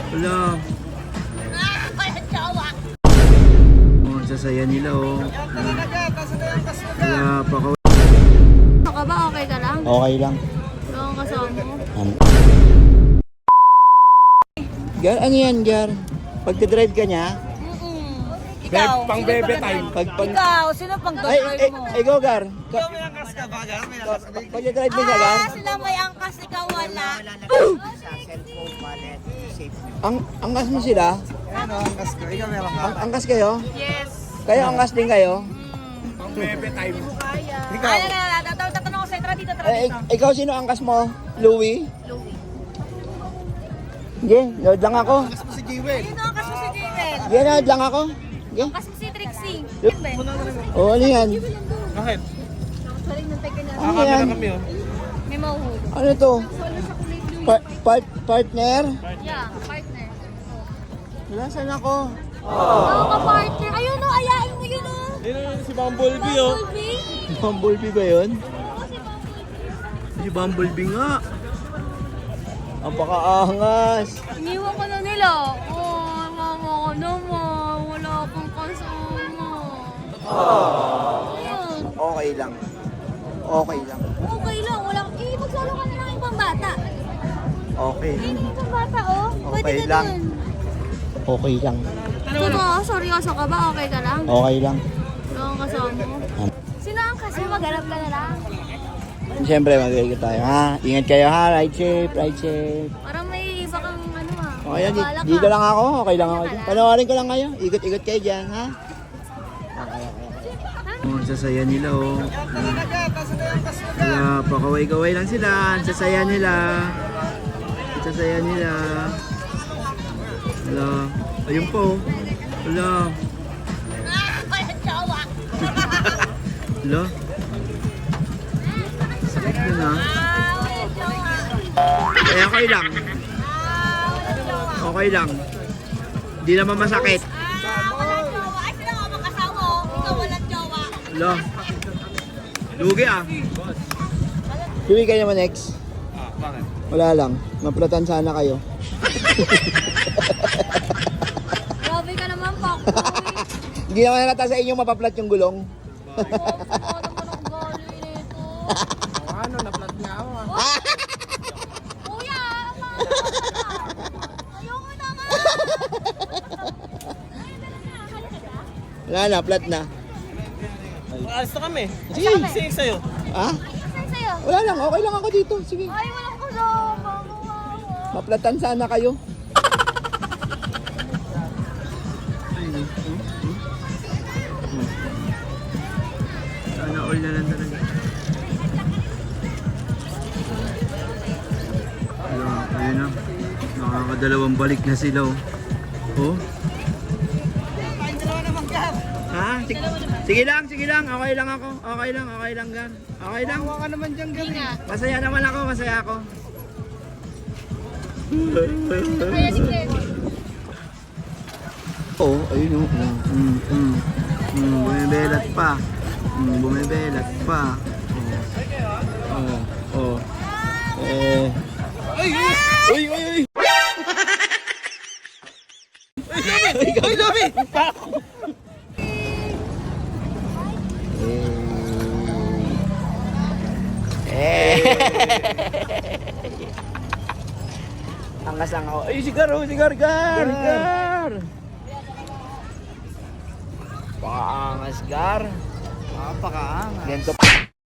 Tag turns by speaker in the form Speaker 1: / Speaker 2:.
Speaker 1: Wala. Oh, sasaya nila oh. Wala pa ko.
Speaker 2: Ano ka ba? Okay ka lang?
Speaker 3: Okay lang.
Speaker 2: Wala kang kasama mo.
Speaker 3: Gar, ano yan, Gar? Pagka-drive ka niya?
Speaker 4: Ikaw,
Speaker 5: Pang bebe time.
Speaker 4: ikaw, sino pang
Speaker 3: Ay,
Speaker 4: drive mo?
Speaker 3: ikaw, Gar.
Speaker 5: May angkas ka ba, Gar? May angkas ka.
Speaker 3: Pagka-drive mo siya, Gar?
Speaker 4: Sila may angkas, ikaw wala.
Speaker 3: Ang angkas mo sila?
Speaker 5: Ano, angkas ka. Ikaw meron ka.
Speaker 3: Angkas kayo?
Speaker 4: Yes.
Speaker 3: Kayo angkas din kayo?
Speaker 5: Pang bebe time.
Speaker 4: Ikaw. Ay, tatanong ko sa'yo, tara dito, tara dito.
Speaker 3: Ikaw sino angkas mo? Louie?
Speaker 4: Louie.
Speaker 3: Sige, load lang ako.
Speaker 5: Angkas mo si Jewel.
Speaker 4: Sino angkas mo si Javel?
Speaker 3: Sige, load lang ako. Sige.
Speaker 4: Angkas mo si Trixie.
Speaker 3: Oo, ano yan?
Speaker 5: Bakit?
Speaker 3: Ano
Speaker 5: Kami
Speaker 3: yan?
Speaker 5: na kami, oh.
Speaker 4: May mahuhulog.
Speaker 3: Ano to? Partner?
Speaker 4: Yeah, partner.
Speaker 3: Nasaan ako?
Speaker 4: Oo, ka-partner. Ayun o, ayain mo yun o.
Speaker 5: Yun si Bumblebee, oh.
Speaker 4: Bumblebee.
Speaker 3: Bumblebee ba yun?
Speaker 4: Oo, si Bumblebee.
Speaker 1: Si Bumblebee nga.
Speaker 3: Ang pakaangas.
Speaker 2: Iniwan ko na nila. Oh, mama ko naman. Wala akong kasama. Ayun.
Speaker 3: Okay lang. Okay lang.
Speaker 2: Okay lang. Wala. Magsolo ka na ng ibang bata.
Speaker 3: Okay.
Speaker 2: Ayun yung ibang bata oh. Pwede
Speaker 3: Okay
Speaker 2: ka
Speaker 3: lang.
Speaker 2: dun.
Speaker 3: Okay lang.
Speaker 2: Ano, seryoso ka ba? Okay ka lang?
Speaker 3: Okay lang.
Speaker 2: Wala kang kasama mo. Sino ang kasi? Maghanap ka na lang.
Speaker 3: Siyempre, mag-iikot tayo, ha? Ingat kayo, ha? Ride safe, ride safe.
Speaker 2: Parang may iba kang ano ah.
Speaker 3: Okay lang,
Speaker 2: Bahala ka.
Speaker 3: dito lang ako. Okay lang ako.
Speaker 2: Dito ka lang.
Speaker 3: Panoorin ko lang kayo. Ikot-ikot kayo dyan, ha?
Speaker 1: Oh, sasaya nila oh. Wala pa kaway-kaway lang sila. Ang sasaya nila. Ang sasaya nila. Wala. Ayun po. Wala. Wala. Sakit yun ha. Eh, okay lang. Okay lang. Hindi naman masakit.
Speaker 4: Walang jowa. Ay, sila nga mag-asawa o. Ikaw walang jowa.
Speaker 1: Wala. Lugi ah.
Speaker 3: Tuwi kayo naman, next.
Speaker 5: Bakit?
Speaker 3: Wala lang. Maplatan sana kayo.
Speaker 2: Grabe ka naman, Pak.
Speaker 3: Hindi naman nalata sa inyo mapaplat yung gulong.
Speaker 5: Ano, naplat nga ako, ah.
Speaker 2: Kuya, ayoko naman.
Speaker 3: Wala na, flat na.
Speaker 5: Alis na kami.
Speaker 3: Sige.
Speaker 5: Sige sa'yo.
Speaker 3: Ha?
Speaker 2: Saan sa'yo?
Speaker 3: Wala lang, okay lang ako dito. Sige.
Speaker 2: Ay, walang kasama.
Speaker 3: Maplatan sana kayo.
Speaker 1: Sana all na lang talaga. Wala, ayun na. Nakakadalawang balik na sila oh. Oh. Ha? Sige lang, sige lang. Okay lang ako. Okay lang gan. Okay lang.
Speaker 5: Hawa ka naman dyan, Gar.
Speaker 1: Masaya naman ako, masaya ako.
Speaker 2: Kaya si Claire.
Speaker 3: Oo, ayun o.
Speaker 1: Bumibelat pa. Bumibelat pa.
Speaker 3: Oh. Uy!
Speaker 5: Uy, Lobi!
Speaker 3: Angas lang ako. Ay, sigar, Gar! Pakaangas, Gar.
Speaker 5: Napakaangas.
Speaker 3: Ganito